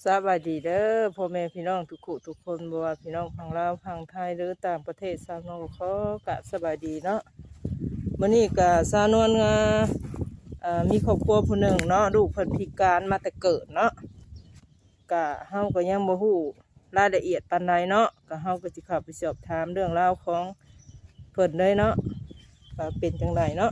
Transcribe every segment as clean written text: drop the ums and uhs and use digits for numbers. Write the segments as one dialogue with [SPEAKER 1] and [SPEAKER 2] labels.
[SPEAKER 1] บายดีเด้อพ่อแม่พี่น้องทุกคนบ่ว่าพี่น้องฝั่งลาวฝั่งไทยหรือต่างประเทศสาวน้องขอกะสบายดีเนาะมื้อนี้ก็สาวนวลมีครอบครัวผู้หนึ่งเนาะลูกเพิ่นพิการมาแต่เกิดเนาะก็เฮาก็ยังบ่ฮู้รายละเอียดปานใดเนาะก็เฮาก็สิเข้าไปสอบถามเรื่องราวของเพิ่นเลยเนาะว่าเป็นจังไดเนาะ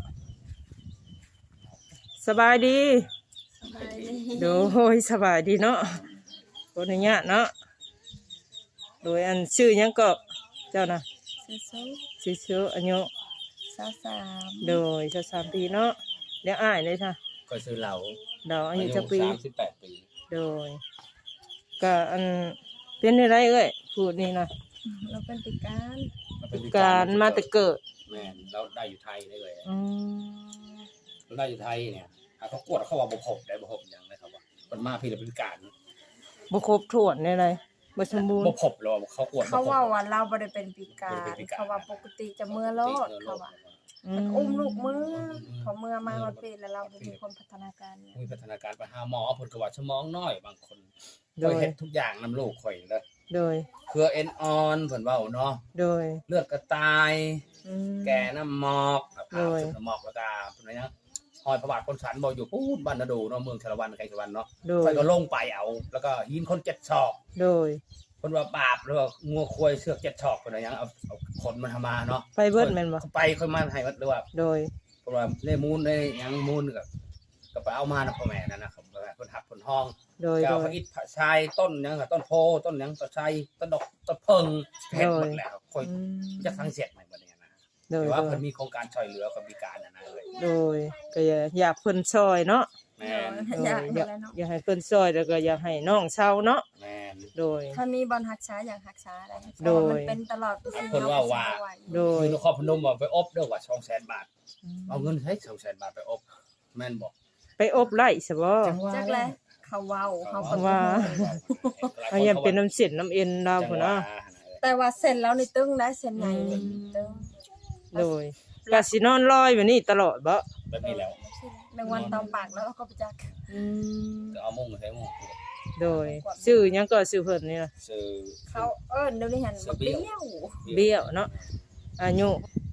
[SPEAKER 1] สบายดีโดยสบายดีเนาะคนนี้เนาะโดยอันชื่อยังก็เจ้านะชื่ออายุโดย23 ปีเนาะเลี้ยงอ้ายเลยค่ะ
[SPEAKER 2] ก็ซื้อเหล่า
[SPEAKER 1] อายุจักปี
[SPEAKER 2] 38 ปี
[SPEAKER 1] โดยก็อันเป็นอะไรเอ้ยพูดนี่นะ
[SPEAKER 3] เราเป็นพิ
[SPEAKER 1] การมาแต่เกิด
[SPEAKER 2] แม่นเราได้อยู่ไทยได้เลยเราได้อยู่ไทยเนี่ยเขากวดเขาว่าบ่พบได้บ่พบอย่างนะครับว่าคนมาพี่เราเป็นการ
[SPEAKER 1] บ่ครบถ้วนในอะไรบ่สมบูรณ์
[SPEAKER 2] บ่พบหรอเขากวด
[SPEAKER 3] เขาว่าเราบ่ได้เป็นพิการเขาว่าปกติจะเมื่อรอดเขาว่าอุ้มลูกมือเขาเมื่อมาฮอดปีแล้วเรามีคนพัฒนาการ
[SPEAKER 2] มีพัฒนาการไปหาหมอเพิ่นก็ว่าสมองน้อยบางคนข่อยเฮ็ดทุกอย่างนำลูกข่อยเด้อ
[SPEAKER 1] โดย
[SPEAKER 2] เครือเอ็นอ่อนเพิ่นเว้าเนาะ
[SPEAKER 1] โดย
[SPEAKER 2] เลือดกระต่ายแก่น้ำหมอกผ่าน้ำหมอกแล้วก็เพิ่นว่าหยังหอยพระบาทคนสันบ่อยู่พูดบ้านนาดูเนาะเมืองชลวันไกลชลวันเนาะข่อยก็ลงไปเอาแล้วก็หินคน7 ศอก
[SPEAKER 1] โดย
[SPEAKER 2] เพิ่นว่าบาปแล้วก็งัวควายเสือก7 ศอกเพิ่นว่าหยังเอาขนมันมาเนาะ
[SPEAKER 1] ไปเบิดแม่นบ่
[SPEAKER 2] ไปค่อยมาให้วัดหรือว่า
[SPEAKER 1] โดย
[SPEAKER 2] เพิ่นว่าเลมูลได้หยังมูลก็ไปเอามานะพ่อแม่นั่นนะครับเพิ่นหักเพิ่นห้อง
[SPEAKER 1] โดย
[SPEAKER 2] พระอิฐพระชายต้นหยังต้นโพต้นหยังต้นไทรต้นดอกต้นเพิงเฮ็ดหมดแล้วค่อยจะฟังเสียงใหม่บัดนี้นะแต่ว่าเพิ่นมีโครงการช่วยเหลือคนพิการนะเลย
[SPEAKER 1] โดยก็อยากเพิ่นช่วยเนาะ
[SPEAKER 2] แม่น
[SPEAKER 1] อยากให้เพิ่นช่วยแล้วก็อยากให้น้องเศร้าเนาะ
[SPEAKER 2] แม่น
[SPEAKER 1] โดย
[SPEAKER 3] ถ้ามีบอลรักษาอยากรักษาได้มันเป็นตลอดปี
[SPEAKER 2] เพิ่นว่า
[SPEAKER 1] โดย
[SPEAKER 2] นครพนมว่าไปอบเด้อว่า 200,000 บาทเอาเงินให้ 200,000 บาทไปอบแม่นบ่
[SPEAKER 1] ไปอบไร่ซะบ่
[SPEAKER 3] จักแลเขาเว้าเขา
[SPEAKER 1] ว่าเขายังเป็นน้ำเส้นน้ำเอ็นดาวพุ่นเนาะ
[SPEAKER 3] แต่ว่าเส้นแล้วนี่ตึงได้เส้นใหญ่นี่ตึง
[SPEAKER 1] โดยก็สินอนลอยแบบนี้ตลอดบ่
[SPEAKER 2] แบบนี้แล้ว
[SPEAKER 3] แมงวันตอมปากแล้วก็ไปจัก
[SPEAKER 2] ก็เอามุ้งใส่มุ้ง
[SPEAKER 1] โดยชื่อหยังก็ชื่อเพิ่นนี่ล่ะ
[SPEAKER 2] ชื่อ
[SPEAKER 3] เขาเดี๋ยวนี้หันเ
[SPEAKER 1] บี้ยวเนาะอายุ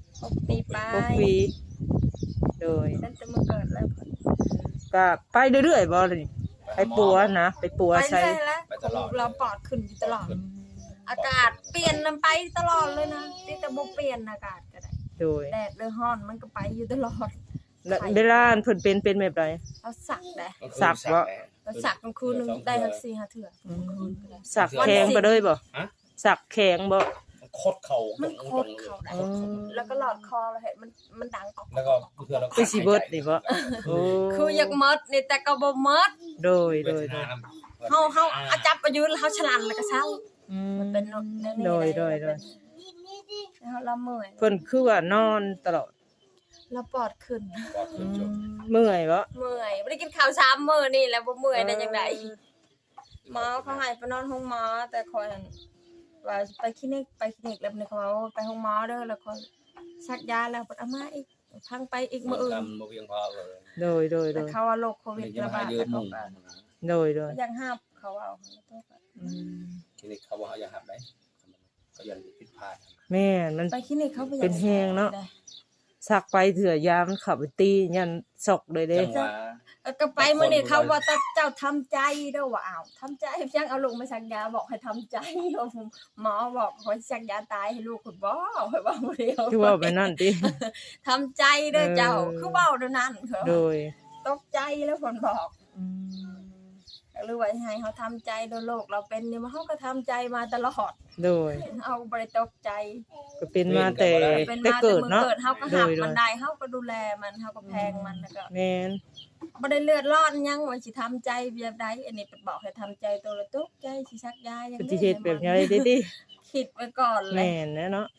[SPEAKER 3] 6 ปีไป
[SPEAKER 1] 6 ปีโดย
[SPEAKER 3] ตั้งแต่เมื่อเกิดแล้ว
[SPEAKER 1] ก็ไปเรื่อยๆบ่เลยไปปัวนะไปปัวใส่
[SPEAKER 3] ไปตลอดเราปอดขึ้นตลอดอากาศเปลี่ยนมันไปตลอดเลยนะแต่บ่เปลี่ยนอากาศก็ได้
[SPEAKER 1] โดย
[SPEAKER 3] แดดหรือร้อนมันก็ไปอยู่ตลอด
[SPEAKER 1] เวลาเพิ่นเป็นแบบใด
[SPEAKER 3] เอาสักได้
[SPEAKER 1] สักบ่
[SPEAKER 3] สักคืนนึงได้สัก 4-5 เทื่อ
[SPEAKER 1] สักแข็งไปเลยบ่สักแข็งบ่
[SPEAKER 2] โคตรเข่า
[SPEAKER 3] มันโคตรเข่าได้แล้วก็หลอดคอแล้วเห็นมันดังออก
[SPEAKER 2] แล้วก็เพื่อเรา
[SPEAKER 1] ไปสิเบิดนี่บ่
[SPEAKER 3] คืออยากหมดนี่แต่ก็บ่หมด
[SPEAKER 1] โดย
[SPEAKER 3] เฮาเอาจับไปยืนแล้วเฮาฉลันแล้วก็เช้ามันเป็น
[SPEAKER 1] โดย
[SPEAKER 3] แล้วเราเมื่อย
[SPEAKER 1] เพิ่นคือว่านอนตลอด
[SPEAKER 3] แล้วปอดขึ้น
[SPEAKER 1] เมื่อยบ่
[SPEAKER 3] บ่ได้กินข้าว3 มื้อนี่แล้วบ่เมื่อยได้จังได๋หมอเขาให้ไปนอนห้องหมอแต่คอยว่าไปคลินิกแล้วนี่เขาว่าไปห้องหมอเด้อแล้วก็ซักยาแล้วเอามาอีกพังไปอีกมื้ออื่น
[SPEAKER 2] บ่เพียงพอเลย
[SPEAKER 1] โดย
[SPEAKER 3] แต่เขาว่าโรคโควิดระบาดแล้วก็
[SPEAKER 1] โดย
[SPEAKER 3] ยังห้ามเขาเอา
[SPEAKER 2] คลินิกเขาบ่อยากหับได้เขายังผิดพลาด
[SPEAKER 1] แม่มัน
[SPEAKER 3] ไปคลินิกเขา
[SPEAKER 1] เป็นแฮงเนาะสักไปเถื่อยามันขับไปตียันศกเลยเด้
[SPEAKER 3] ก็ไปมื้อนี้เขาว่าเจ้าทำใจเด้อว่าอ้าวทำใจยังเอาลูกมาสักยาบอกให้ทำใจหมอบอกให้สักยาตายให้ลูกคุณบ่ให้ว่าบ่เดียว
[SPEAKER 1] คือว่าไปนั่นติ
[SPEAKER 3] ทำใจเด้อเจ้าคือเว้าเด้อนั่น
[SPEAKER 1] โดย
[SPEAKER 3] ตกใจแล้วเพิ่นบอกหรือว่าให้เฮาทำใจโดยโลกเราเป็นนี่เฮาก็ทำใจมาตลอด
[SPEAKER 1] โดย
[SPEAKER 3] เอาบ่ได้ตกใจ
[SPEAKER 1] ก็เป็นมาแต่เกิดเนาะ
[SPEAKER 3] เฮาก็หักมันได้เฮาก็ดูแลมันเฮาก็แพงมันแล้วก็
[SPEAKER 1] แม่น
[SPEAKER 3] บ่ได้เลือดร้อนยังว่าสิทำใจแบบใดอันนี้บอกให้ทำใจตัวละตกใจสิซักยาอย่างนี้
[SPEAKER 1] สิเฮ็ดแบบใดดิ
[SPEAKER 3] คิดไว้ก่อนเลย
[SPEAKER 1] แม่นเนาะ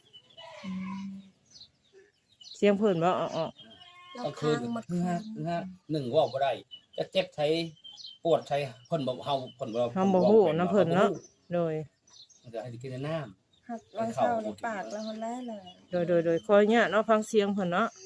[SPEAKER 1] เสียงเพิ่นบ่
[SPEAKER 2] ก็คือ1ว่าบ่ได้จะเจ็บใช้ปวดใช้เพิ่นบ่เฮาเพิ่นบ่
[SPEAKER 1] ฮู้นำเพิ่นเนาะโดย
[SPEAKER 2] มันจะให้กินน้ำ
[SPEAKER 3] หักวางเช้าในปากแล้วมันแลเลย
[SPEAKER 1] โดยคอยเนี่ยเนาะฟังเสียงเพิ่นเนาะ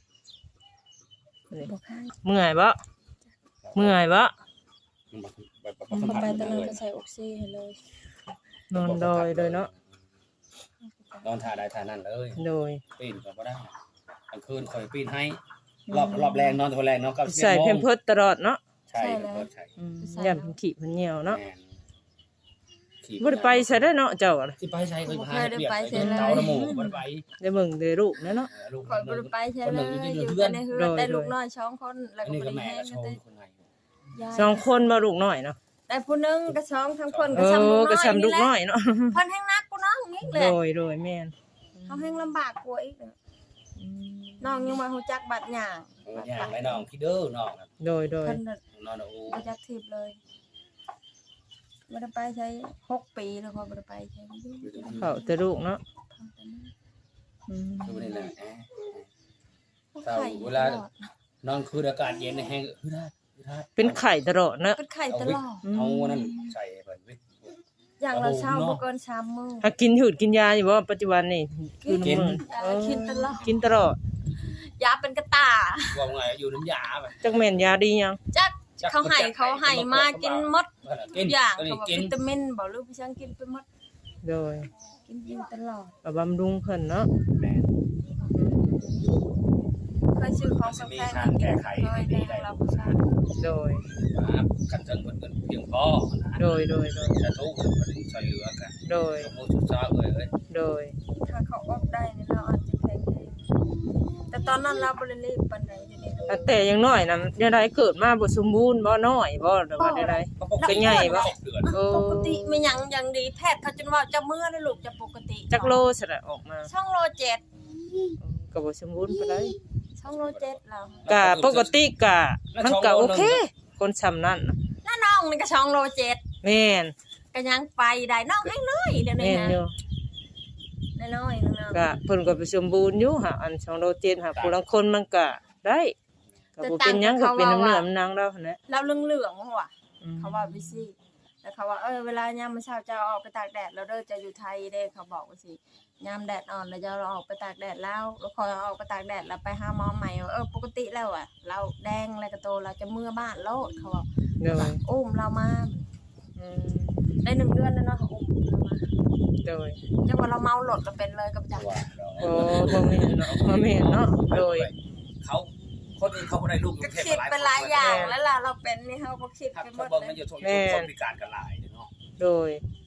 [SPEAKER 1] เมื่อยบ่
[SPEAKER 3] เข้าไปตอนนั้นก็ใส่ออกซิให้เลย
[SPEAKER 1] นอนดอยเลยเนาะ
[SPEAKER 2] นอนท่าใดท่านั้นเลย
[SPEAKER 1] โดย
[SPEAKER 2] ปีนก็บ่ได้กลางคืนคอยปีนให้รอบแรงนอนตัวแรงเนาะก็
[SPEAKER 1] ใส่เพมเพิร์สตลอดเนาะ
[SPEAKER 2] ใช่ใช่
[SPEAKER 1] ย่ำขี้มันเหี่ยวเนาะ
[SPEAKER 2] ขี่
[SPEAKER 1] บ่ได้ไปใส่ได้เนาะเจ้าอะ
[SPEAKER 2] สิไปใช้เคยพาเปียกใส่เตาละหมู่บ่ได้ไป
[SPEAKER 1] ได้เบิ่งได้รูปนะเนาะ
[SPEAKER 2] ลูก
[SPEAKER 3] คอยบ่ได้ไปใช่เลยอยู่ในเฮือนได้ลูกน้อย2คนแล้ว
[SPEAKER 2] อัน
[SPEAKER 3] ก็
[SPEAKER 2] นี้
[SPEAKER 3] บ่
[SPEAKER 2] ก็
[SPEAKER 3] ได้
[SPEAKER 2] แม่
[SPEAKER 3] แห้
[SPEAKER 2] ก็
[SPEAKER 3] ง
[SPEAKER 2] ชม
[SPEAKER 3] แต่
[SPEAKER 2] คนไหน
[SPEAKER 1] สองคนบ่ลูกน้อยเนาะ
[SPEAKER 3] แต่ผู้นึงก็2ทั้งคน
[SPEAKER 1] เอ
[SPEAKER 3] ก็ซ้ำลู
[SPEAKER 1] อก
[SPEAKER 3] น้อย
[SPEAKER 1] ก็ซ้ำลูกน้อยเนาะ
[SPEAKER 3] เพิ่นแฮงนักกูน้องนี่แห
[SPEAKER 1] โด
[SPEAKER 3] ละ
[SPEAKER 1] ยโดยแม่น
[SPEAKER 3] เขาแฮงลำบากกว่าอีกน้องยังบ่ฮู้จักบัดหยัง
[SPEAKER 2] อย่างไรน้องคิดเด้อน้อง
[SPEAKER 1] โดยโดย
[SPEAKER 3] เพิ่นน่ะ
[SPEAKER 2] นอนโอ้
[SPEAKER 3] บ่จักทิพย์เลยบ่ได้ไปใช้6ปีแล้วเขาบ่ได้ไปใช้
[SPEAKER 1] เข้าแต่ลูกเนาะอืม
[SPEAKER 2] คือนี่แหละเศร้าเวลานอนคืออากาศเย็นแห้งคือได้
[SPEAKER 1] เป็นไข่ตลอดเนาะ
[SPEAKER 3] เป็นไข่ตลอด
[SPEAKER 2] เอานั่นใส่เพิ่นวิ
[SPEAKER 3] อย่างเราเช้าบ่เกิน3มื้อ
[SPEAKER 1] หากินหืดกินยาอยู่บ่ปัจจุบันนี่คือน้ำมัน
[SPEAKER 3] กินตลอด
[SPEAKER 1] กินตลอด
[SPEAKER 3] ยาเป็นกระตา
[SPEAKER 2] ว่าไงอยู่น้ำยาแบบ
[SPEAKER 1] จักแม่นยาดียัง
[SPEAKER 3] จักเขาให้มากินหมด
[SPEAKER 2] กิน
[SPEAKER 3] อย่าง
[SPEAKER 2] ตัวนี้
[SPEAKER 3] เขาบอก
[SPEAKER 2] กิน
[SPEAKER 3] วิตามินบ่รู้พี่ช่างกินไปหมด
[SPEAKER 1] โดย
[SPEAKER 3] กินตลอด
[SPEAKER 1] ก็บำรุงเพิ่นเนาะ
[SPEAKER 2] แม่
[SPEAKER 3] เคยซื้อของ
[SPEAKER 2] จะ
[SPEAKER 3] สำ
[SPEAKER 2] มี
[SPEAKER 3] คัญ
[SPEAKER 2] ทางแก้ไข
[SPEAKER 3] เคย
[SPEAKER 2] ดี
[SPEAKER 3] ได้
[SPEAKER 2] ได้
[SPEAKER 3] รับผู้ชาย
[SPEAKER 1] โดย
[SPEAKER 2] กันเทิงเพิ่นเพียงพอ
[SPEAKER 1] โดยโดย
[SPEAKER 2] จะทุกข์เพิ่นช่วยเหลือกัน
[SPEAKER 1] โดย
[SPEAKER 2] สมมุติสุดซาเอ้ย
[SPEAKER 1] โดย
[SPEAKER 3] ถ้าเขาออกได้นี่เราอาจจะแข็งแรงแต่ตอนนั้นเราบ่ได้รีบปานใดเดี๋ยวนี้
[SPEAKER 1] แต่ยังน้อยนะยังไดเกิดมาบ่สมบูรณ์บ่น้อยบ่หรือว่าใด เป็นไงวะ
[SPEAKER 2] เดือน
[SPEAKER 1] ๆโอ้
[SPEAKER 3] ปกติไม่หยังอย่างดีแพทย์เขาจนว่าจะมื้อนะลูกจะปกติ
[SPEAKER 1] จักโลซะละออกมา
[SPEAKER 3] ช่องโล7
[SPEAKER 1] ก็บ่สมบูรณ์ปานใด
[SPEAKER 3] ช่องโล7แล้ว
[SPEAKER 1] ก็ปกติก็มันก็โอเค คนซำนั้นน่ะ
[SPEAKER 3] น้าน้องนี่ก็ช่องโล7
[SPEAKER 1] แม่น
[SPEAKER 3] ก็ยังไปได้น้องให้น้อยเดี๋ยวนี้
[SPEAKER 1] แม่น
[SPEAKER 3] นะ
[SPEAKER 1] อยู่
[SPEAKER 3] น้อยๆนึง
[SPEAKER 1] ก็เพิ่นก็ไปสมบูรณ์อยู่หาอัน2โล7หาผู้ลางคนมันก็ได้ก็บ่เป็นหยังก็เป็นน้ำเนื้อน้ำหนังแล้วหั่นแหละ
[SPEAKER 3] เราเหลืองๆว่ะ
[SPEAKER 1] อืม
[SPEAKER 3] เขาว่าวิซี่แล้วเขาว่าเวลายามมื้อเช้าจะออกไปตากแดดแล้วเด้อจะอยู่ไทยเด้เขาบอกว่าสิยามแดดอ่อนแล้วจะเราออกไปตากแดดแล้วคอยออกไปตากแดดแล้วไปหาหมอใหม่ปกติแล้วอ่ะ เราแดงแล้วก็โตเราจะเมื่อบ้านโลดเขาบอก
[SPEAKER 1] โดย
[SPEAKER 3] อุ้มเรามา
[SPEAKER 1] อืม
[SPEAKER 3] ได้1 เดือนแล้วเนาะเขาอุ้มเรามา
[SPEAKER 1] โดย
[SPEAKER 3] จังว่าเราเมาหลดเราเป็นเลยกับจัก
[SPEAKER 2] ว่า
[SPEAKER 1] โอ้บ่แม่นเนาะบ่แม่นเนาะโดย
[SPEAKER 2] เขาคนอื่นเขาบ่ได้ลูก
[SPEAKER 3] ก็คิดเป็นหลายอย่างแล้วล่ะเราเป็นนี่เฮาบ่คิด
[SPEAKER 2] ครับ
[SPEAKER 3] ไปหม
[SPEAKER 2] เขา
[SPEAKER 3] ด
[SPEAKER 2] บอก
[SPEAKER 3] เล
[SPEAKER 2] มัน
[SPEAKER 3] ย
[SPEAKER 2] อยู่ทุกคนพิการกันหลายเนาะ
[SPEAKER 1] โดย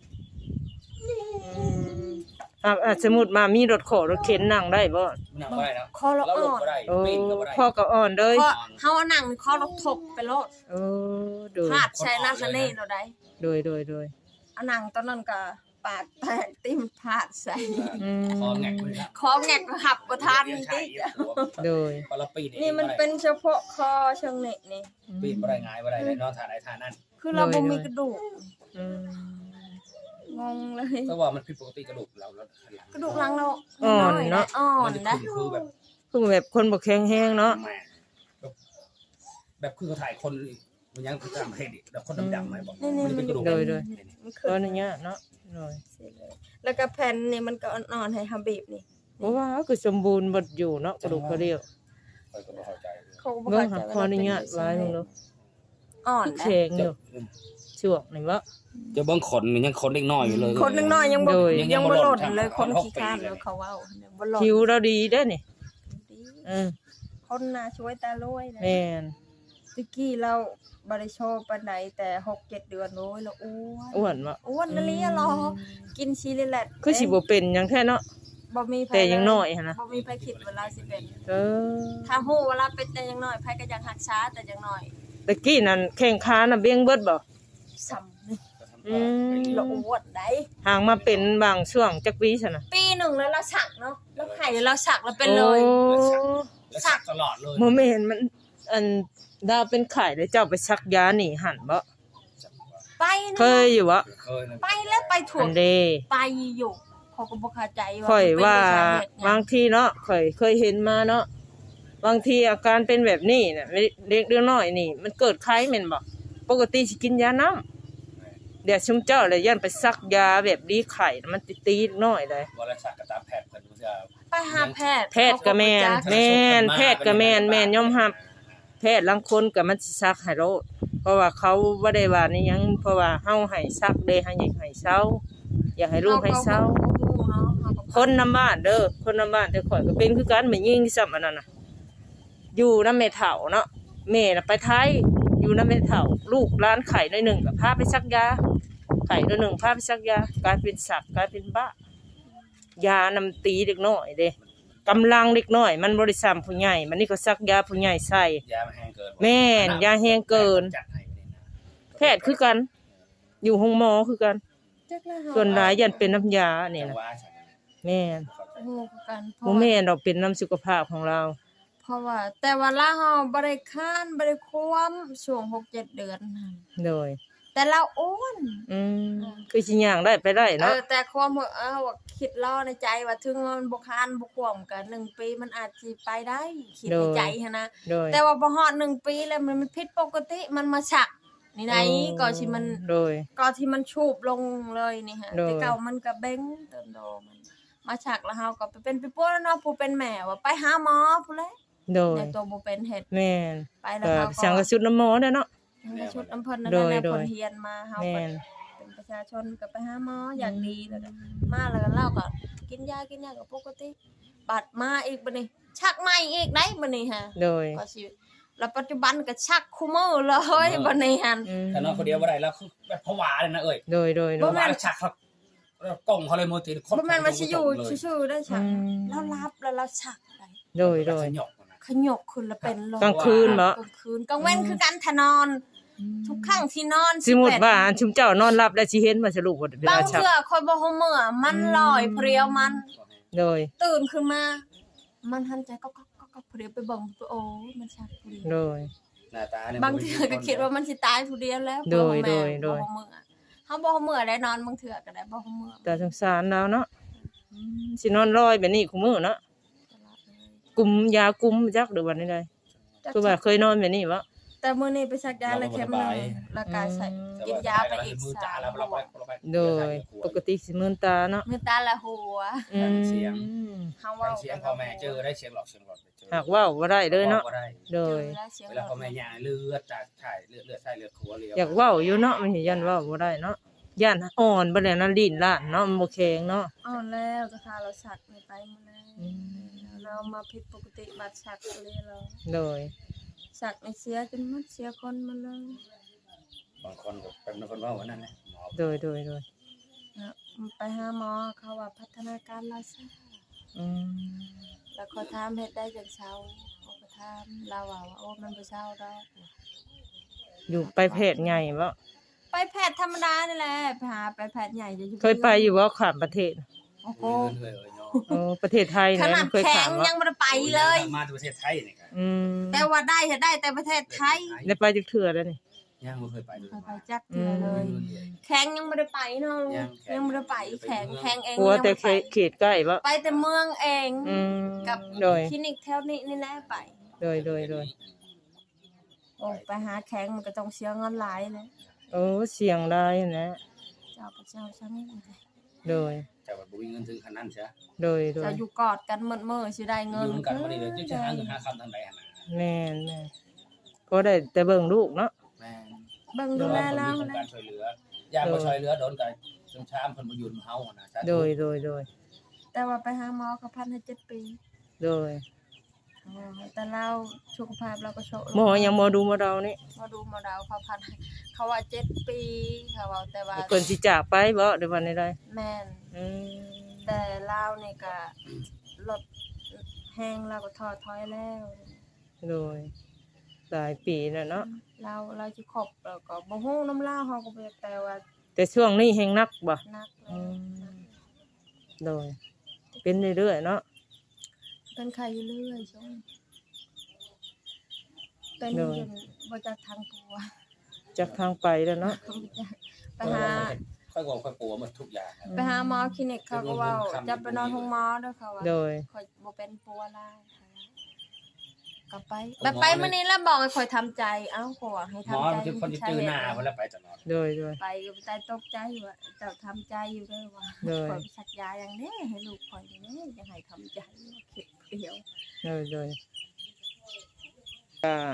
[SPEAKER 1] สมมุติมามีรถขอรถเข็นนั่งได้บ่
[SPEAKER 2] นั่งบ่ได้แล้ว
[SPEAKER 3] คอเรา
[SPEAKER 2] เรา
[SPEAKER 3] อ่
[SPEAKER 2] ลูก
[SPEAKER 3] อน
[SPEAKER 2] บ่ได้
[SPEAKER 1] โอ้
[SPEAKER 2] ปีนก็บ่ได้
[SPEAKER 1] พ่อก็อ่อนเลย
[SPEAKER 3] เพราะเฮานั่งนี่คอเราถกไปโลด
[SPEAKER 1] โอ้โดย
[SPEAKER 3] พาดใช้นาสนีเราได้
[SPEAKER 1] โดยโดยโดย
[SPEAKER 3] อันนั่งตอนนั้นก็ปากแตกติ้มพาดใส่
[SPEAKER 1] อืม
[SPEAKER 2] คอแงกเลยนะ
[SPEAKER 3] คอแงกหับบ่ทัน
[SPEAKER 2] ใช่
[SPEAKER 3] ติ
[SPEAKER 1] โดย
[SPEAKER 2] พอเราปีน
[SPEAKER 3] นี่มันเป็นเฉพาะคอเชิงนี่นี่
[SPEAKER 2] ปีนบ่ได้ง่ายบ่ได้เลยเนาะท่าใดท่านั้น
[SPEAKER 3] คือเราบ่มีกระดูก
[SPEAKER 1] อืม
[SPEAKER 3] งงเลย
[SPEAKER 2] แต่ว่ามันผิดปกติกระดูกเราแล้ว
[SPEAKER 3] กระดูกหลังเรา
[SPEAKER 1] อ่อนเนาะ
[SPEAKER 3] อ่อ
[SPEAKER 2] มัน น
[SPEAKER 3] นะ
[SPEAKER 2] จะคือแบบ
[SPEAKER 1] คือแบบคนบ่แข็งแรงเนาะ
[SPEAKER 2] แม่แบบคือเขาถ่ายคนมันยังคือตามเพศแบบคนดำๆไหมบอก
[SPEAKER 3] นี่
[SPEAKER 2] มันเป็นกระดูก
[SPEAKER 3] มัน
[SPEAKER 1] ต
[SPEAKER 3] ขึ้
[SPEAKER 1] อน
[SPEAKER 3] น
[SPEAKER 1] นี้เนาะโดย
[SPEAKER 3] แล้วก็แผ่นนี่มันก็อ่อนๆให้ฮับบีบนี่
[SPEAKER 1] เพราะว่าคือสมบูรณ์บ่อยู่เนาะกระดูกกระเดี่ยว
[SPEAKER 2] คอยก็บ่เข้าใจ
[SPEAKER 3] เขาบ่
[SPEAKER 1] เบิ่ง
[SPEAKER 3] เข้า
[SPEAKER 1] หา
[SPEAKER 3] ใจ
[SPEAKER 1] ขออนุญาตไว้มึงเนาะ
[SPEAKER 3] อ่อน
[SPEAKER 1] แข็งอยู่ช่วงนี่บ่
[SPEAKER 2] จะเบิ่งขนมันยังขนเล็กน้อยอยู่เลย
[SPEAKER 3] คนนึงน้อยยังบ่
[SPEAKER 1] โดย
[SPEAKER 3] ยังบ่หล่นเลยคนขี้คร้านเลยเขาเว้าบ่หล่น
[SPEAKER 1] ผิวเราดีเด้อนี่
[SPEAKER 3] คนน่ะช่วยตาลอยนะ
[SPEAKER 1] แม่น
[SPEAKER 3] ตะกี้เราบริโชว์ปานใดแต่ 6-7 เดือนโอ้ยเราอ้วน
[SPEAKER 1] อ้วนบ่
[SPEAKER 3] อ้วนนั่นเลยอะหรอกินซีรีแลต
[SPEAKER 1] คือสิบ่เป็นหยังแท้เนาะ
[SPEAKER 3] บ่มีไผ
[SPEAKER 1] แต่ยังน้อยหั่นนะ
[SPEAKER 3] บ่มีไผคิดเวลาสิเป็น
[SPEAKER 1] เออ
[SPEAKER 3] ถ้าฮู้เวลาเป็นแต่ยังน้อยไผก็ยังรักษาแต่ยังน้อย
[SPEAKER 1] ตะกี้นั่นแข้งขาน่ะเบี้ยงเบิดบ่
[SPEAKER 3] ซ้ำนี่
[SPEAKER 1] อืม
[SPEAKER 3] เราอ้วนได้
[SPEAKER 1] ห่างมาเป็นบางช่วงจักปีซั่นน่ะ
[SPEAKER 3] ปีหนึงแล้วเราสักเนาะแล้วไข่เราสักแล้วเป็นเลย
[SPEAKER 1] โอ้
[SPEAKER 2] แล้วสักตลอดเลย
[SPEAKER 1] บ่แม่นมันอันดาวเป็นไข้แล้วเจ้าไปซักยานี่หั่นบ่
[SPEAKER 3] ไปนะ
[SPEAKER 1] เคยอยู่บ่
[SPEAKER 2] เคยนะ
[SPEAKER 3] ไปแล้วไปถู
[SPEAKER 1] อั
[SPEAKER 3] ก
[SPEAKER 1] นเด้
[SPEAKER 3] ไปอยู่เขาก็บ่เข้าใจว่า
[SPEAKER 1] ค่อยว่า
[SPEAKER 3] มันเป็นสเหตุหยัง
[SPEAKER 1] บางทีเนาะค่อยเคยเห็นมาเนาะบางทีอาการเป็นแบบนี้น่ะเล็กๆน้อยๆนี่ มันเกิดไข้แม่นบ่ปกติสิกินยาน้ำเดี๋ยวชุมเจ้าเลยย่านไปซักยาแบบดีไข้มันตีๆน้อยเลย
[SPEAKER 2] เวลาสักก็ตามแพทย์เพิ่นจะ
[SPEAKER 3] ไปหาแพทย์
[SPEAKER 1] แพทย์ก็แม่นแม่นแพทย์ก็แม่นแม่นยอมรับแพทย์ลางคนก็มันสิซักให้โลดเพราะว่าเขาบ่ได้ว่านี่หยังเพราะว่าเฮาให้ซักเด้ให้ให้เซาอยากให้ลูกให้เซาคนนำบ้านเด้อคนนำบ้านแต่ข่อยก็เป็นคือกันแม่ยิงที่ซ้ำอันนั้นน่ะอยู่นำแม่เฒ่าเนาะแม่น่ะไปไทยอยู่นำแม่เฒ่าลูกร้านไข่น้อยหนึงก็พาไปซักยาไข่น้อยหนึงพาไปซักยากลายเป็นสักกลายเป็นบ้ายานำตีเด็กน้อยเด้กำลังเด็กน้อยมันบริษัทผู้ใหญ่มันนี่ก็ซักยาผู้ใหญ่ใส่
[SPEAKER 2] ยามันแห้งเกิน
[SPEAKER 1] แม่นยาแห้งเกิน
[SPEAKER 2] จัดให้ไม่ได้นะ
[SPEAKER 1] แพทย์คือกัน อยู่ห้องหมอคือกัน ส่วนหลายยันเป็นน้ำยาเนี่ย
[SPEAKER 2] จั
[SPEAKER 1] นะ
[SPEAKER 2] งหวะฉัน
[SPEAKER 1] แม่น
[SPEAKER 3] โง่กันเพ
[SPEAKER 1] บ่
[SPEAKER 3] ราะ
[SPEAKER 1] แม่นดอกเป็นน้ำสุขภาพของเรา
[SPEAKER 3] เพราะว่าแต่ว่าลาเฮาบ่ได้ค้านบ่ได้ความช่วง 6-7 เดือนนั่น
[SPEAKER 1] โดย
[SPEAKER 3] แต่เราอ้วน
[SPEAKER 1] คือสิย่างได้ไปได้เนาะ
[SPEAKER 3] แต่ความว่าคิดรอในใจว่าถึงมันบ่ค้านบ่ควมกัน1ปีมันอาจสิไปได้คิดในใจหันนะ
[SPEAKER 1] โดย
[SPEAKER 3] แต่ว่าบ่ฮอด1ปีแล้วมันผิดปกติมันมาฉักนี่ไหนก็สิมัน
[SPEAKER 1] โดย
[SPEAKER 3] ก็ที่มันชูบลงเลยนี่ฮะ
[SPEAKER 1] โดย
[SPEAKER 3] แต่เก่ามันก็เบ้งเติมโดมันมาฉักแล้วเฮาก็ไปเป็นไปป่วยแล้วเนาะผู้เป็นแม่ว่าไปหาหมอผู้แล
[SPEAKER 1] โดย
[SPEAKER 3] ในตัวบ่เป็นเฮ็ด
[SPEAKER 1] แม่น
[SPEAKER 3] ไปแล้ว
[SPEAKER 1] ก็
[SPEAKER 3] เฮา
[SPEAKER 1] สังกะสุดน้ำหมอเด้อเนาะ
[SPEAKER 3] ชุดอำเภอนั่น
[SPEAKER 1] โดย
[SPEAKER 3] แหละ
[SPEAKER 1] โด
[SPEAKER 3] ผ
[SPEAKER 1] ย
[SPEAKER 3] ลเฮียนมาเฮา
[SPEAKER 1] แม่
[SPEAKER 3] ก็
[SPEAKER 1] น
[SPEAKER 3] เป็นประชาชนก็ไปหาหมออย่างดีแล้วก็มาแล้วก็เล่าก็กินยาก็ปกติบัดมาอีกบัดนี้ ชักใหม่อีกได้บัดนี้ฮะ
[SPEAKER 1] โดย
[SPEAKER 3] ก็สิแล้วปัจจุบันก็ชักคู่มือเลยบัดนี้หั่น
[SPEAKER 2] ถ้านอนคนเดียวบ่ได้แล้วคือแบบผวาเลยนะเอ้ย
[SPEAKER 1] โดย
[SPEAKER 2] ผวาแล้วฉักเขาแล้วกล้องเขาเลยโมติ
[SPEAKER 3] บ่แม่นว่าสิอยู่ซื่อๆได้ชัก
[SPEAKER 1] อืม
[SPEAKER 3] แล้วรับแล้วเราชักได้
[SPEAKER 1] โดย โดย
[SPEAKER 2] หยอกนะ
[SPEAKER 3] ขยกขึ้นแล้วเป็นลม
[SPEAKER 1] กลางคืนบ่
[SPEAKER 3] กลางคืนกลางเว้นคือการทะนอน ทุกครั้งที่นอน
[SPEAKER 1] สมมุติว่าอันชุมเจ้านอนหลับแล้วสิเห็นว่าสรุปว่าเว
[SPEAKER 3] บา
[SPEAKER 1] ลาง ชัก
[SPEAKER 3] เทื่อคอยบ่ฮู้มื้อมันลอยเพรียวมัน
[SPEAKER 1] โดย
[SPEAKER 3] ตื่นขึ้นมา มันหันใจก็เพรียวไปเบิ่งโอ้ยมันชักเพรียว
[SPEAKER 1] โดย
[SPEAKER 2] หน้าตาเนี่ย
[SPEAKER 3] บางเทื่อก็คิดว่ามันสิตายผู้เดียวแล้ว
[SPEAKER 1] โดย
[SPEAKER 3] บ่ฮู้แม่
[SPEAKER 1] โดย
[SPEAKER 3] บ่ฮู้มื้อเฮาบ่ฮู้มื้อได้นอนบางเทื่อก็ได้บ่ฮู้มื้อ
[SPEAKER 1] แต่สงสารแล้วเนาะสินอนลอยแบบนี้คุมื้อเนาะ
[SPEAKER 3] ตลอดเลย
[SPEAKER 1] กุมยากุมจักหรือว่าใดๆคือว่าเคยนอนแบบนี้บ่
[SPEAKER 3] แต่มื้อนี้ไปชักยาแล้วเข็มหนึงแล้วก็ใส่กินยาไปอีก
[SPEAKER 2] มือ
[SPEAKER 3] 3
[SPEAKER 2] จ่าแล้วเราไปเราไป
[SPEAKER 1] โดยปกติสิมื่นตาเนาะ
[SPEAKER 3] มื้อตาละหัว
[SPEAKER 1] อืม
[SPEAKER 3] เฮา
[SPEAKER 2] ฟั
[SPEAKER 3] เว้าง
[SPEAKER 2] เสียงพ่อแม่เจอได้เสียงหลอกเสียงหลอดไปเจอ
[SPEAKER 1] หากเว้าบ่ได้เลยเนาะ
[SPEAKER 2] บ่ได้
[SPEAKER 1] โดย
[SPEAKER 2] เวลาพ่อแม่ย่างเลือดจากถ่ายเลือดใส่เลือดขัวเลียว
[SPEAKER 1] อยากเว้าอยู่เนาะมันสิยันเว้าบ่ได้เนาะย่านอ่อนบ่แล้วนั่นลิ้นล้านเนาะมันบ่แข็งเนาะ
[SPEAKER 3] อ่อนแล้วก็พาเราชักไม่ไปมื้อนั้น
[SPEAKER 1] อืม
[SPEAKER 3] เรามาผิดปกติบัดชักเลยเรา
[SPEAKER 1] โดย
[SPEAKER 3] ชักในเสียจนหมดเสียคนมาเลย
[SPEAKER 2] บางคนก็เป็นคนว่าวันนั้นนะหมอ
[SPEAKER 1] โดย
[SPEAKER 3] นะไปหาหมอเขาว่าพัฒนาการเราช้า
[SPEAKER 1] อืม
[SPEAKER 3] แล้วเขาถามเฮ็ดได้จังเช้าเขาก็ถามเราว่าโอ้มันบ่เช้าดอก
[SPEAKER 1] อยู่ไปแพทย์ใหญ่บ่
[SPEAKER 3] ไปแพทย์ธรรมดานี่แหละไปหาไปแพทย์ใหญ่จะอยู่
[SPEAKER 1] เคยไปอยู่บ่ข้ามประเทศ
[SPEAKER 3] โอ้โห
[SPEAKER 2] เงินเลยเนาะ
[SPEAKER 1] เออประเทศไทย
[SPEAKER 3] ข
[SPEAKER 1] เนี่ย
[SPEAKER 3] นาด
[SPEAKER 1] เคย
[SPEAKER 3] แข็
[SPEAKER 1] ข้าง มบ่
[SPEAKER 3] ยังบ่ได้ไปเลย
[SPEAKER 2] มาจากประเทศไทยนี่ครับ
[SPEAKER 1] อืม
[SPEAKER 3] แต่ว่าได้เฮ็ดได้แต่ประเทศไทย
[SPEAKER 1] ได้ไปจักเทื่อแล้วนี่
[SPEAKER 2] ยังไม่เคยไปเลย
[SPEAKER 3] เคยไปจักเทื่อเลย แข็งยังบ่ได้ไปเนาะยังบ่ได้ไปแข็งเอง
[SPEAKER 1] กลัวแต่
[SPEAKER 3] ยังบ่ได้
[SPEAKER 1] เขตใกล้บ่
[SPEAKER 3] ไปแต่เมืองเอง
[SPEAKER 1] อืม
[SPEAKER 3] กับ
[SPEAKER 1] โดย
[SPEAKER 3] คลินิกแถวนี้นี่แหละไป
[SPEAKER 1] โดย
[SPEAKER 3] โอ้ไปหาแข็งมันก็ต้องเสียเงินหลายเลย
[SPEAKER 1] โอ้เสียงได้นะ
[SPEAKER 3] เจ้ากับเจ้าช่างนี่
[SPEAKER 1] โดย
[SPEAKER 2] แต่ว่าบุญเงินถึงขนาดนั้นใช่
[SPEAKER 1] โดย
[SPEAKER 3] จะอยู่กอดกันมื้อสิได้เงิน
[SPEAKER 2] อยู่กันวันนี้เดี๋ยวจะหาเงินหาคำทางใดหา
[SPEAKER 1] แม่นก็ได้แต่เบิ่งลูกเนาะ
[SPEAKER 2] แม่
[SPEAKER 3] เบิ่ง
[SPEAKER 2] ดู
[SPEAKER 3] ดู
[SPEAKER 2] แล
[SPEAKER 3] แล
[SPEAKER 2] เรา
[SPEAKER 3] เรา
[SPEAKER 2] การช่วยเหลือยามมาช่วยเหลือโดนกันจนช้ามคนมายืนเฮานะ
[SPEAKER 1] โดย
[SPEAKER 3] แต่ว่าไปหาหมอเขาพันให้7 ปี
[SPEAKER 1] โดย
[SPEAKER 3] แต่เราสุขภาพเราก็โช
[SPEAKER 1] หมอยังหมอดูหมอเรานี่
[SPEAKER 3] มาดูมาดาวเขาพันให้เขาว่า7 ปีเขาว่าแต่ว่า
[SPEAKER 1] เพิ่นสิจากไปบ่เดี๋ยววันใด
[SPEAKER 3] แม่น
[SPEAKER 1] ๆอืม
[SPEAKER 3] แต่เรานี่ก็ลดแห้งเราก็ท้อถอยแล้ว
[SPEAKER 1] โดยหลายปีแล้วเนาะ
[SPEAKER 3] เราสิครบแล้วก็บ่ฮู้น้ำลาวเฮาก็บ่อยากแต่ว่า
[SPEAKER 1] แต่ช่วงนี้แฮงนักบ่
[SPEAKER 3] นักเล
[SPEAKER 1] อื
[SPEAKER 3] ย
[SPEAKER 1] มโดย เป็นเรื่อยๆเนาะ
[SPEAKER 3] เป็นไข้อยู่เรื่อยช่วงเป็นจนบ่จักทางตัว
[SPEAKER 1] จากทางไปแล้วเนาะ
[SPEAKER 3] ไปหา
[SPEAKER 2] ค่อยบอกค่อยปัวหมดทุกอย่าง
[SPEAKER 3] ไปหาหมอคลินิกเขาก็เว้าจะไปนอนห้องหมอเด้อเขาว่า
[SPEAKER 1] โดย
[SPEAKER 3] ข่อยบ่เป็นปัวลายกลับไปแบบไปมื้อนี้แล้วบอกให้ข่อยทำใจเอ้าข่อยว่าให้
[SPEAKER 2] หมอ
[SPEAKER 3] ทำใจ
[SPEAKER 2] ที่คนจะตื่นหน้าเวลาไปตลอด
[SPEAKER 1] โดย
[SPEAKER 3] ไปก็ใจตกใจว่าเจ้าทำใจอยู่เด้อว่า
[SPEAKER 1] เลย
[SPEAKER 3] ข่อยไปสักยาอย่างนี้ให้ลูกข่อยอย่างนี้จะให้ทำใจคิดเดียว
[SPEAKER 1] โดยก็ส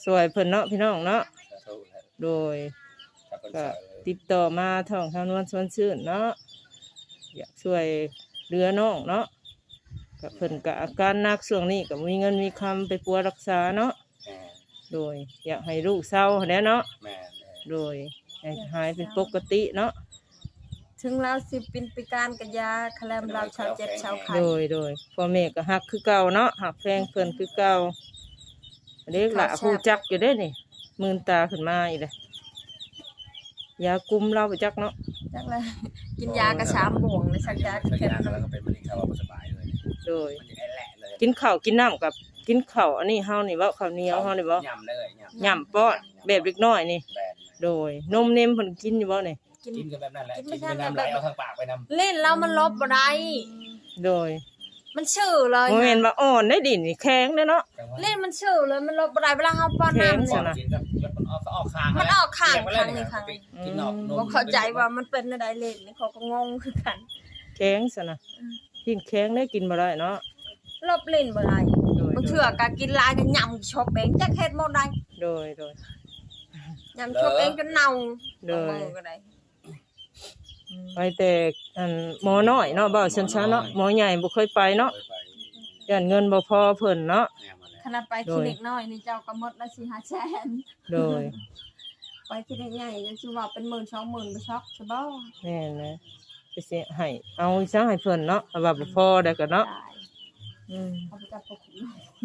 [SPEAKER 1] สวยเพิ่นเนาะพี่น้องเนาะ
[SPEAKER 2] สาธุแหละ
[SPEAKER 1] โดย
[SPEAKER 2] ถ้าเพิ่น
[SPEAKER 1] ก็
[SPEAKER 2] ช่วย
[SPEAKER 1] ติดต่อมาทางนวลชวนชื่นเนาะอยากช่วยเหลือน้องเนาะก็เพิ่นก็อาการหนักช่วงนี้ก็มีเงินมีคำไปปัวรักษาเนาะ
[SPEAKER 2] แม่
[SPEAKER 1] โดยอยากให้ลูกเศร้าแหล้วเนาะ
[SPEAKER 2] แม่
[SPEAKER 1] โดยให้หายเป็นปกติเนาะ
[SPEAKER 3] ถึงเราสิเป็นปีการกับยาคลมเราชาวเจ็บชาวไข้
[SPEAKER 1] โดยพ่อแม่ก็ฮักคือเก่าเนาะฮักแพงเพิ่นคือเก่าเด็กละผู้จักอยู่ได้นี่มืนตาขึ้นมาอีกเลยยากุมเราไปจักเนาะ
[SPEAKER 3] จักเลยกินยากระชามบ่วงเลยสักยา
[SPEAKER 2] สัก
[SPEAKER 3] แค่
[SPEAKER 2] ยาแล้วก็เป็นมะเร็งเขาว่าบ่สบายเลย
[SPEAKER 1] โดย
[SPEAKER 2] มันจะแหละเลย
[SPEAKER 1] กินข้าวกินน้ำกับกินข้าวอันนี้เฮานี่เว้าข้าวเหนียวเฮานี่บ่
[SPEAKER 2] ยำเลยยำ
[SPEAKER 1] ย่ำป้อนแบบเล็กน้อยนี่
[SPEAKER 2] แบน
[SPEAKER 1] โดยนมเนมเพิ่นกินอยู่บ่นี่
[SPEAKER 3] กิน
[SPEAKER 2] กินกันแบบนั้นแหละ
[SPEAKER 3] กิ
[SPEAKER 2] กิ
[SPEAKER 3] นไม่
[SPEAKER 2] น
[SPEAKER 3] ใช่
[SPEAKER 2] ไปน้ำไหลเอาทางปากไปน้ำ
[SPEAKER 3] เล่นแล้วมันลบบ่ได้
[SPEAKER 1] โดย
[SPEAKER 3] มันชื่อเลย
[SPEAKER 1] บ่แม่นว่าอ่อนได้ดินนี่แข็งเด้อเนาะ
[SPEAKER 3] เล่นมันชื่อเลยมันลบบ่ได้เวลาเฮาป้อน
[SPEAKER 1] แข็ง
[SPEAKER 3] น้ำ
[SPEAKER 1] สิ
[SPEAKER 3] เนี่ย
[SPEAKER 1] นะ
[SPEAKER 2] กินกับมันออกข้าง
[SPEAKER 3] มันออกข้างข้างนี้ข้างนี้
[SPEAKER 2] กินออกนม
[SPEAKER 3] บ่เข้าใจว่ามันเป็นอะไรเล่นนี่เขาก็งงคือกัน
[SPEAKER 1] แข็งซะนะกินแข็งได้กินบ่ได้เนาะ
[SPEAKER 3] ลบเล่นบ่ได้
[SPEAKER 1] โดย
[SPEAKER 3] บางเทื่อก็กินหลายก็ยำชอบเองจักเฮ็ดบ่ได้
[SPEAKER 1] โดย
[SPEAKER 3] ยำชอบเองจนเน่า
[SPEAKER 1] โดย
[SPEAKER 3] บางมื้อก็ได้
[SPEAKER 1] ไปแต่อันหมอน้อยเนาะเว้าชันๆเนาะหมอใหญ่บ่เคยไปเนาะย่านเงินบ่พอเพิ่นเนาะ
[SPEAKER 3] ขณะไปคลินิกน้อยนี่เจ้าก็หมดละ4-5 แสน
[SPEAKER 1] โดย
[SPEAKER 3] ไปคลินิกใหญ่จะสิว่าเป็น10,000 20,000บ่ช็อกใช่บ่
[SPEAKER 1] แม่นนะไปสิให้เอาซะให้เพิ่นเนาะถ้าว่าบ่พอได้ก็เนาะ
[SPEAKER 3] ได้
[SPEAKER 1] อืม
[SPEAKER 3] เอาไปจับพวกคุณ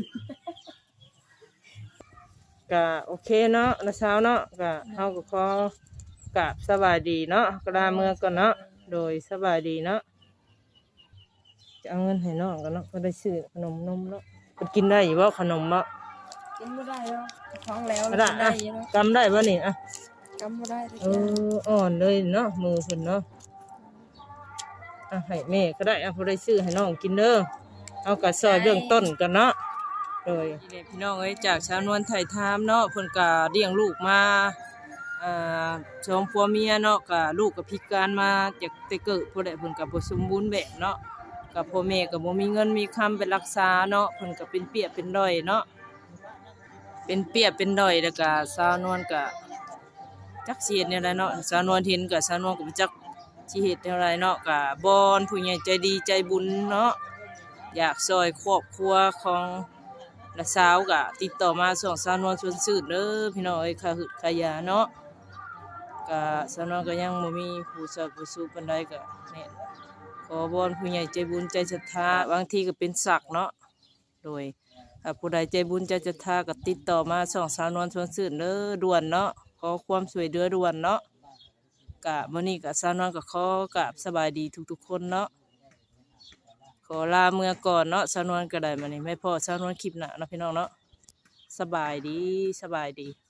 [SPEAKER 1] ก็โอเคเนาะนะเช้าเนาะก็เฮาก็ขอกราบสบายดีเนาะก็ลาเมื่อก่อนเนาะโดยสบายดีเนาะจะเอาเงินให้น้องกันเนาะก็ได้ซื้อขนมนมเนาะเพิ่นกินได้อยู่บ่ขนมบ่
[SPEAKER 3] กินบ่ได้แล้วท้องแล้ว
[SPEAKER 1] ได้
[SPEAKER 3] กินได้
[SPEAKER 1] อ่ะ
[SPEAKER 3] อยู่เนาะ
[SPEAKER 1] กำได้บ่นี่อ่ะ
[SPEAKER 3] กำบ่ได้
[SPEAKER 1] เอออ่อนเลยเนาะมือเพิ่นเนาะอ่ะให้แม่ก็ได้อ่ะบ่ได้ซื้อให้น้องกินเด้อเอาก็ซอยเบื้องต้นกันเนาะโดยพี่น้องเอ้ยจากชาวนวลไทยทามเนาะเพิ่นก็เลี้ยงลูกมาสองผัวเมียเนาะก็ลูกก็พิการมาจากแต่เกิดพุ่นแหละเพิ่นก็บ่สมบูรณ์แบบเนาะก็พ่อแม่ก็บ่มีเงินมีคำไปรักษาเนาะเพิ่นก็เป็นเปียเป็นด้อยเนาะเป็นเปียเป็นด้อยแล้วก็ชาวนวลก็จักสิเฮ็ดแนวใดเนาะชาวนวลเห็นก็ชาวนวลก็บ่จักสิเฮ็ดแนวใดเนาะก็บอนผู้ใหญ่ใจดีใจบุญเนาะอยากช่วยครอบครัวของและสาวก็ติดต่อมาส่งชาวนวลชวนชื่นเด้อพี่น้องเอ้ยค่าหึดค่ายาเนาะก็ชาวนวลก็ยังบ่มีผู้ช่วยผู้สู้ปานใดก็แม่นขอบอนผู้ใหญ่ใจบุญใจศรัทธาบางทีก็เป็นศักดิ์เนาะโดยถ้าผู้ใดใจบุญใจศรัทธาก็ติดต่อมาส่งชาวนวลชวนชื่นเด้อด่วนเนาะขอความช่วยเหลือด่วนเนาะกะมื้อนี้ก็ชาวนวลก็ขอกราบสบายดีทุกๆคนเนาะขอลาเมื่อก่อนเนาะชาวนวลก็ได้มื้อนี้ไม่พอชาวนวลคลิปหน้าเนาะพี่น้องเนาะสบายดี